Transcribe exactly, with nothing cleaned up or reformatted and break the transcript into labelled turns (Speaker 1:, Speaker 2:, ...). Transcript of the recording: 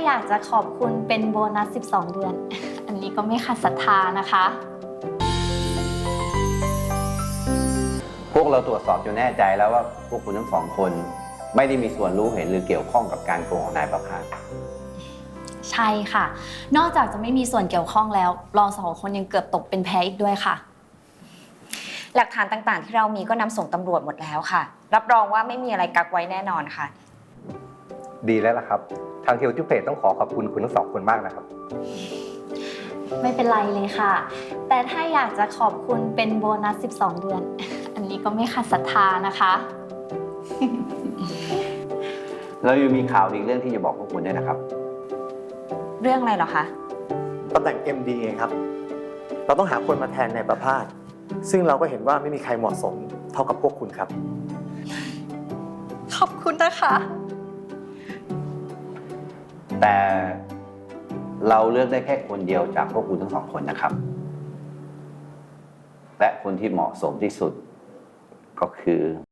Speaker 1: อยากจะขอบคุณเป็นโบนัสสิบสองเดือน อันนี้ก็ไม่ขัดศรัทธานะคะ
Speaker 2: พวกเราตรวจสอบจนแน่ใจแล้วว่าพวกคุณทั้งสองคนไม่ได้มีส่วนรู้เห็นหรือเกี่ยวข้องกับการโกงของนายประภาส
Speaker 1: ใช่ค่ะ นอกจากจะไม่มีส่วนเกี่ยวข้องแล้วเราสองคนยังเกือบตกเป็นแพ้อีกด้วยค่ะ
Speaker 3: หลักฐานต่างๆที่เรามีก็นำส่งตำรวจหมดแล้วค่ะรับรองว่าไม่มีอะไรกักไว้แน่นอนค่ะ
Speaker 4: ดีแล้วล่ะครับทางเทลทิเพจต้องขอขอบคุณคุณทั้งสองคนมากนะครับ
Speaker 1: ไม่เป็นไรเลยค่ะ แต่ถ้าอยากจะขอบคุณเป็นโบนัสสิบสองเดือน อันนี้ก็ไม่ขัดศรัทธานะคะ
Speaker 2: เรายังมีข่าวอีกเรื่องที่จะบอกพวกคุณด้วยนะครับ
Speaker 3: เรื่องอะไรเหรอคะ
Speaker 5: ตำแหน่ง เอ็ม ดี เองครับเราต้องหาคนมาแทนในประภาสซึ่งเราก็เห็นว่าไม่มีใครเหมาะสมเท่ากับพวกคุณครับ
Speaker 1: ขอบคุณนะคะ
Speaker 2: แต่เราเลือกได้แค่คนเดียวจากพวกคุณทั้งสองคนนะครับ และคนที่เหมาะสมที่สุดก็คือ